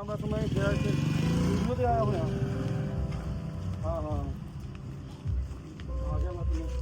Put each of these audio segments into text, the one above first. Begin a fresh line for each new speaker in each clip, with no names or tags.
बस मैं गया वीडियो ते आया होया। हाँ हाँ आ गया मतलब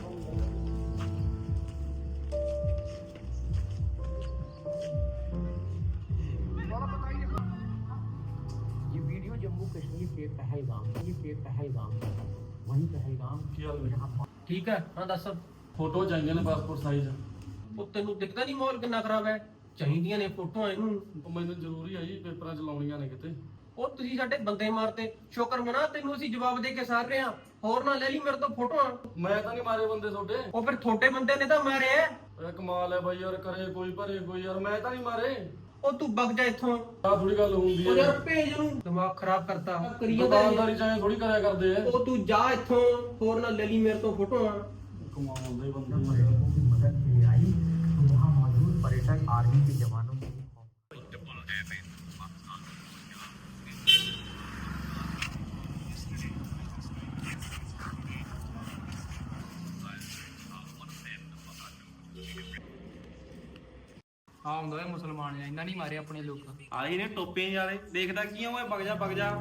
ये वीडियो जम्मू कश्मीर के पहलगाम वही पहलगाम ठीक है। हाँ दस
फोटो चाहिए ने पासपोर्ट साइज।
ਉਹ ਤੈਨੂੰ ਦਿਖਦਾ ਨਹੀਂ ਮਾਹੌਲ ਕਿੰਨਾ ਖਰਾਬ ਹੈ। ਚਾਹੀਦੀਆਂ ਨੇ ਫੋਟੋਆਂ ਇਹਨੂੰ।
ਮੈਨੂੰ ਜ਼ਰੂਰੀ ਹੈ ਜੀ ਪੇਪਰਾਂ 'ਚ ਲਾਉਣੀਆਂ ਨੇ ਕਿਤੇ।
ਉਹ ਤੁਸੀਂ ਸਾਡੇ ਬੰਦੇ ਮਾਰਤੇ। ਸ਼ੁਕਰ ਮਨਾ ਤੈਨੂੰ ਅਸੀਂ ਜਵਾਬ ਦੇ ਕੇ ਸਾਰ ਰਹੇ ਹਾਂ। ਹੋਰ ਨਾ ਲੈ ਲਈ ਮੇਰੇ ਤੋਂ ਫੋਟੋਆਂ।
ਮੈਂ ਤਾਂ ਨਹੀਂ ਮਾਰੇ ਬੰਦੇ ਤੁਹਾਡੇ।
ਉਹ ਫਿਰ ਤੁਹਾਡੇ ਬੰਦੇ ਨੇ ਤਾਂ ਮਾਰਿਆ।
ਇਹ ਕਮਾਲ ਹੈ ਬਾਈ ਯਾਰ, ਕਰੇ ਕੋਈ ਭਰੇ ਕੋਈ ਯਾਰ, ਮੈਂ ਤਾਂ ਨਹੀਂ ਮਾਰੇ।
ਉਹ ਤੂੰ ਵਗ ਜਾ ਇੱਥੋਂ।
ਆਹ ਥੋੜੀ ਗੱਲ ਹੁੰਦੀ
ਉਹ
ਹੈ
ਯਾਰ ਭੇਜ ਨੂੰ ਦਿਮਾਗ ਖਰਾਬ ਕਰਤਾ।
ਦੁਕਾਨਦਾਰੀ ਚਾਹੇ ਥੋੜੀ ਕਰਿਆ ਕਰਦੇ ਆ।
ਉਹ ਤੂੰ ਜਾ ਇੱਥੋਂ। ਹੋਰ ਨਾ ਲੈ ਲਈ ਮੇਰੇ ਤੋਂ ਫੋਟੋਆਂ।
ਕਮਾਲ ਦੇ ਬੰਦੇ
मदद के लिए आई तो वहाँ मौजूद पर्यटक आर्मी के जवानों को
ਹਾਂ ਹੁੰਦਾ ਮੁਸਲਮਾਨ ਆ ਇਹਨਾਂ ਨਹੀਂ ਮਾਰੇ ਆਪਣੇ ਲੋਕ
ਆਹੀ ਨੇ ਟੋਪੇ ਯਾਰੇ ਦੇਖਦਾ ਕੀ ਆ ਓਏ ਵਗ ਜਾ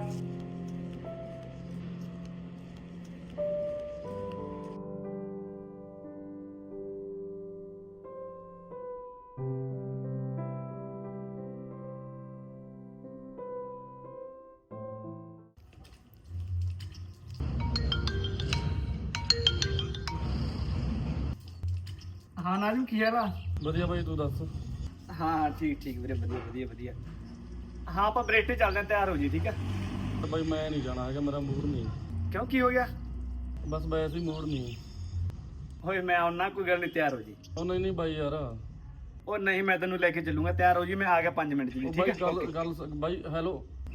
ਹਾਂ ਨਾਜ਼ਮ ਕੀ ਹਾਲ ਆ
ਵਧੀਆ ਬਾਈ ਤੂੰ ਦੱਸ।
ਹਾਂ ਠੀਕ ਵੀਰੇ ਵਧੀਆ ਹਾਂ ਆਪਾਂ ਬਰੇਟੇ ਚੱਲਦੇ ਆਂ ਤਿਆਰ ਹੋ ਜੀ ਠੀਕ ਆ
ਬਾਈ ਮੈਂ ਨਹੀਂ ਜਾਣਾ ਹੈਗਾ, ਮੇਰਾ ਮੂਡ ਨਹੀਂ।
ਕਿਉਂ ਕੀ ਹੋ ਗਿਆ
ਬਸ ਵੈਸੇ ਹੀ ਮੂਡ ਨਹੀਂ।
ਹੋਏ ਮੈਂ ਆਉਣਾ ਕੋਈ ਗੱਲ ਨਹੀਂ ਤਿਆਰ ਹੋ ਜੀ
ਉਹ ਨਹੀਂ ਬਾਈ ਯਾਰ।
ਉਹ ਨਹੀਂ ਮੈਂ ਤੈਨੂੰ ਲੈ ਕੇ ਚੱਲੂਗਾ ਤਿਆਰ ਹੋ ਜੀ ਮੈਂ ਆ ਗਿਆ 5 ਮਿੰਟ ਜੀ
ਉਹ
ਠੀਕ
ਬਾਈ
ਹੈ
ਗੱਲ ਬਾਈ ਹੈਲੋ।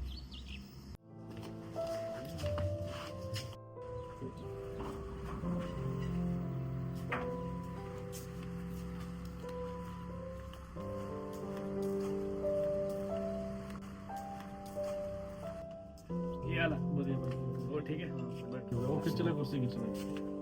ਕੀ ਹਾਲ ਆ
ਵਧੀਆ ਬਾਈ
ਉਹ ਠੀਕ ਹੈ
ਬੈਠੋ ਉਹ ਖਿੱਚ ਲੈ ਕੁਰਸੀ ਖਿੱਚ ਲੈ।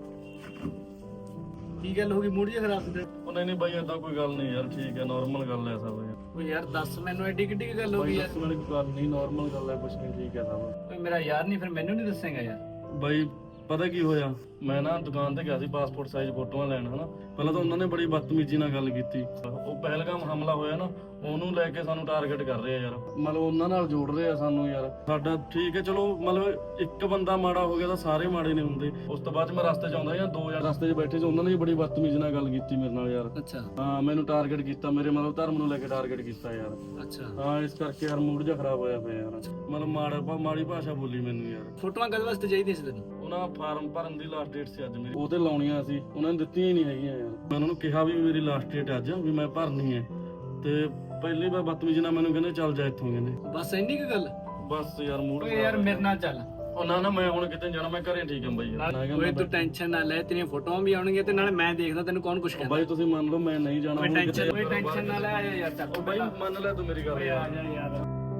ਕੀ ਗੱਲ ਹੋ ਗਈ ਮੂਡ ਜਿਹਾ ਖਰਾਬ ਸੀ
ਉਹ ਨਹੀਂ ਬਾਈ ਏਦਾਂ ਕੋਈ ਗੱਲ ਨਹੀਂ ਯਾਰ, ਠੀਕ ਹੈ ਨਾਰਮਲ ਗੱਲ ਹੈ ਸਭ ਯਾਰ।
ਉਹ ਯਾਰ ਦੱਸ ਮੈਨੂੰ ਐਡੀ ਕਿੱਡੀ ਕੀ ਗੱਲ ਹੋ ਗਈ ਯਾਰ
ਦੱਸਣ ਵਾਲੀ ਕੋਈ ਗੱਲ ਨਹੀਂ, ਨਾਰਮਲ ਗੱਲ ਹੈ, ਕੁਛ ਨਹੀਂ, ਠੀਕ ਹੈ ਸਭ।
ਓਏ ਮੇਰਾ ਯਾਰ ਨਹੀਂ ਫਿਰ ਮੈਨੂੰ ਨਹੀਂ ਦੱਸੇਗਾ ਯਾਰ
ਬਾਈ ਪਤਾ ਕੀ ਹੋਇਆ, ਮੈਂ ਨਾ ਦੁਕਾਨ ਤੇ ਗਿਆ ਸੀ ਪਾਸਪੋਰਟ ਸਾਈਜ਼ ਫੋਟੋਆਂ ਲੈਣ ਹਨਾ। ਪਹਿਲਾਂ ਤਾਂ ਉਹਨਾਂ ਨੇ ਬੜੀ ਬਦਤਮੀਜ਼ੀ ਨਾਲ ਗੱਲ ਕੀਤੀ। ਉਹ ਪਹਿਲਗਾਮ ਹਮਲਾ ਹੋਇਆ ਨਾ, ਉਹਨੂੰ ਲੈ ਕੇ ਸਾਨੂੰ ਟਾਰਗੇਟ ਕਰ ਰਹੇ ਆ ਯਾਰ। ਮਤਲਬ ਉਹਨਾਂ ਨਾਲ ਜੋੜ ਰਹੇ ਆ ਸਾਨੂੰ ਯਾਰ। ਸਾਡਾ ਠੀਕ ਹੈ ਚਲੋ, ਮਤਲਬ ਇੱਕ ਬੰਦਾ ਮਾੜਾ ਹੋ ਗਿਆ ਤਾਂ ਸਾਰੇ ਮਾੜੇ ਨਹੀਂ ਹੁੰਦੇ। ਉਸ ਤੋਂ ਬਾਅਦ ਮੈਂ ਰਸਤੇ 'ਚ ਆਉਂਦਾ ਜਾਂ 2 ਰਸਤੇ 'ਚ ਬੈਠੇ ਸੀ, ਉਹਨਾਂ ਨੇ ਬੜੀ ਬਦਤਮੀਜ਼ੀ ਨਾਲ ਗੱਲ ਕੀਤੀ ਮੇਰੇ ਨਾਲ ਯਾਰ।
ਅੱਛਾ
ਹਾਂ ਮੈਨੂੰ ਟਾਰਗੇਟ ਕੀਤਾ, ਮੇਰੇ ਮਤਲਬ ਧਰਮ ਨੂੰ ਲੈ ਕੇ ਟਾਰਗੇਟ ਕੀਤਾ ਯਾਰ।
ਅੱਛਾ
ਹਾਂ ਇਸ ਕਰਕੇ ਯਾਰ ਮੂਡ ਜਿਹਾ ਖਰਾਬ ਹੋਇਆ ਪਿਆ ਯਾਰ। ਮਤਲਬ ਮਾੜੀ ਭਾਸ਼ਾ ਬੋਲੀ ਮੈਨੂੰ ਯਾਰ।
ਫੋਟੋਆਂ ਕਦ ਵਾਸਤੇ ਚਾਹੀਦੀਆਂ ਸੀ ਤੈਨੂੰ
ਉਹਨਾਂ ਫਾਰਮ ਭਰਨ ਦੀ ਲਾਸਟ ਡੇਟ ਸੀ ਅੱਜ ਮੇਰੀ, ਉਹ ਤੇ ਲਾਉਣੀਆਂ ਸੀ, ਉਹਨਾਂ ਨੇ ਦਿੱਤੀਆਂ ਹੀ ਨਹੀਂ ਹੈਗੀਆਂ ਯਾਰ। ਮੈਂ ਉਹਨਾਂ ਨੂੰ ਕਿਹਾ ਵੀ ਮੇਰੀ ਲਾਸਟ ਡੇਟ ਅੱਜ ਵੀ ਮੈਂ ਭਰਨੀ ਹੈ, ਤੇ ਪਹਿਲੀ ਵਾਰ ਬਦਤਮੀਜ਼ੀ ਨਾਲ ਮੈਨੂੰ ਕਹਿੰਦੇ ਚੱਲ ਜਾ ਇੱਥੋਂ, ਕਹਿੰਦੇ
ਬਸ ਇੰਨੀ ਕੁ ਗੱਲ
ਬਸ ਯਾਰ ਮੂਡ
ਓਏ ਯਾਰ ਮੇਰੇ ਨਾਲ ਚੱਲ
ਉਹ ਨਾ ਮੈਂ ਹੁਣ ਕਿਤੇ ਜਾਣਾ, ਮੈਂ ਘਰੇ ਠੀਕ ਹਾਂ ਬਾਈ ਯਾਰ।
ਓਏ ਤੂੰ ਟੈਨਸ਼ਨ ਨਾ ਲੈ, ਤੇਰੀਆਂ ਫੋਟੋਆਂ ਵੀ ਆਉਣਗੀਆਂ ਤੇ ਨਾਲੇ ਮੈਂ ਦੇਖਦਾ ਤੈਨੂੰ ਕੌਣ ਕੁਛ ਕਹਿੰਦਾ।
ਬਾਈ ਤੁਸੀਂ ਮੰਨ ਲਓ ਮੈਂ ਨਹੀਂ ਜਾਣਾ ਹੁਣ ਕਿਤੇ।
ਓਏ ਟੈਨਸ਼ਨ ਨਾ ਲੈ ਆ ਯਾਰ ਚੱਲ
ਉਹ ਬਾਈ ਮੰਨ ਲੈ ਤੂੰ ਮੇਰੀ ਗੱਲ
ਓਏ ਆ ਜਾ ਯਾਰ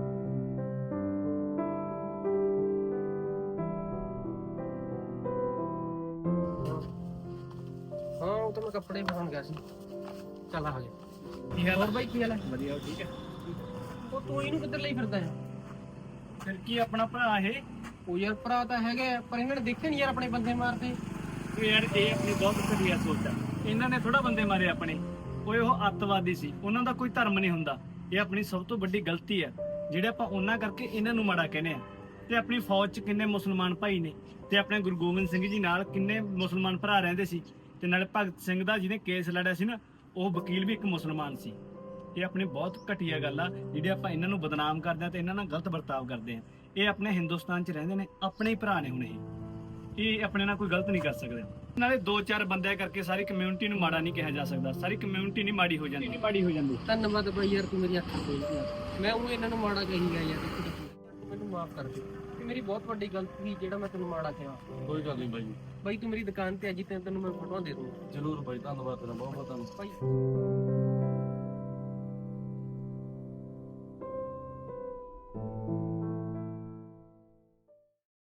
ਹਾਂ ਉਹ ਤਾਂ ਮੈਂ ਕੱਪੜੇ ਪਾਉਣ ਗਿਆ ਸੀ। ਚੱਲ ਆ ਗਿਆ।
ਕੀ ਹਾਲ
ਹੋਰ ਬਾਈ ਕੀ ਹਾਲ ਹੈ?
ਵਧੀਆ ਠੀਕ ਹੈ
ਉਹ ਤੂੰ ਇਹਨੂੰ ਕਿੱਧਰ ਲਈ ਫਿਰਦਾ ਹੈ?
ਫਿਰ ਕੀ ਆਪਣਾ ਭਰਾ ਇਹ
ਉਹ ਯਾਰ ਭਰਾ ਤਾਂ ਹੈਗਾ ਪਰ ਇਹਨਾਂ ਨੇ ਦੇਖੇ ਨਹੀਂ ਯਾਰ ਆਪਣੇ ਬੰਦੇ ਮਾਰਦੇ।
ਓਏ ਯਾਰ ਇਹ ਆਪਣੀ ਬਹੁਤ ਘਟੀਆ ਸੋਚ ਆ। ਇਹਨਾਂ ਨੇ ਥੋੜਾ ਬੰਦੇ ਮਾਰੇ ਆਪਣੇ। ਓਏ ਉਹ ਅੱਤਵਾਦੀ ਸੀ, ਉਹਨਾਂ ਦਾ ਕੋਈ ਧਰਮ ਨਹੀਂ ਹੁੰਦਾ। ਇਹ ਆਪਣੀ ਸਭ ਤੋਂ ਵੱਡੀ ਗਲਤੀ ਆ ਜਿਹੜੇ ਆਪਾਂ ਉਹਨਾਂ ਕਰਕੇ ਇਹਨਾਂ ਨੂੰ ਮਾੜਾ ਕਹਿੰਦੇ ਆ। ਤੇ ਆਪਣੀ ਫੌਜ 'ਚ ਕਿੰਨੇ ਮੁਸਲਮਾਨ ਭਾਈ ਨੇ, ਤੇ ਆਪਣੇ ਗੁਰੂ ਗੋਬਿੰਦ ਸਿੰਘ ਜੀ ਨਾਲ ਕਿੰਨੇ ਮੁਸਲਮਾਨ ਭਰਾ ਰਹਿੰਦੇ ਸੀ, ਤੇ ਨਾਲੇ ਭਗਤ ਸਿੰਘ ਦਾ ਜਿਹਨੇ ਕੇਸ ਲੜਿਆ ਸੀ ਨਾ, ਉਹ ਵਕੀਲ ਵੀ ਇੱਕ ਮੁਸਲਮਾਨ ਸੀ। ਇਹ ਆਪਣੀ ਬਹੁਤ ਘਟੀਆ ਗੱਲ ਆ ਜਿਹੜੇ ਆਪਾਂ ਇਹਨਾਂ ਨੂੰ ਬਦਨਾਮ ਕਰਦੇ ਆ ਤੇ ਇਹਨਾਂ ਨਾਲ ਗਲਤ ਵਰਤਾਵ ਕਰਦੇ ਆ। ਇਹ ਆਪਣੇ ਹਿੰਦੁਸਤਾਨ 'ਚ ਰਹਿੰਦੇ ਨੇ, ਆਪਣੇ ਹੀ ਭਰਾ ਨੇ ਹੁਣ ਇਹ ਆਪਣੇ ਨਾਲ ਕੋਈ ਗਲਤ ਨਹੀਂ ਕਰ ਸਕਦੇ। ਨਾਲੇ 2-4 ਬੰਦਿਆਂ ਕਰਕੇ ਸਾਰੀ ਕਮਿਊਨਿਟੀ ਨੂੰ ਮਾੜਾ ਨਹੀਂ ਕਿਹਾ ਜਾ ਸਕਦਾ। ਸਾਰੀ ਕਮਿਊਨਿਟੀ ਨਹੀਂ ਮਾੜੀ ਹੋ ਜਾਂਦੀ।
ਧੰਨਵਾਦ ਬਾਈ ਯਾਰ, ਤੂੰ ਮੇਰੀ ਅੱਖ ਖੋਲ੍ਹੀ ਯਾਰ। ਮੈਂ ਉਹ ਇਹਨਾਂ ਨੂੰ ਮਾੜਾ ਕਹੀ ਗਿਆ ਯਾਰ। ਤੂੰ ਮੈਨੂੰ ਮਾਫ ਕਰ ਦੇ, ਇਹ ਮੇਰੀ ਬਹੁਤ ਵੱਡੀ ਗਲਤੀ ਸੀ ਜਿਹੜਾ ਮੈਂ ਤੈਨੂੰ ਮਾੜਾ ਕਿਹਾ।
ਕੋਈ ਗੱਲ ਨਹੀਂ ਬਾਈ।
ਬਾਈ ਤੂੰ ਮੇਰੀ ਦੁਕਾਨ ਤੇ ਅੱਜ ਤੈਨੂੰ ਮੈਂ ਫੋਟੋਆਂ ਦੇ ਦੂੰਗਾ।
ਜ਼ਰੂਰ ਬਾਈ, ਧੰਨਵਾਦ ਤੇਰਾ ਬਹੁਤ ਬਹੁਤ ਧੰਨਵਾਦ।
ਬਾਈ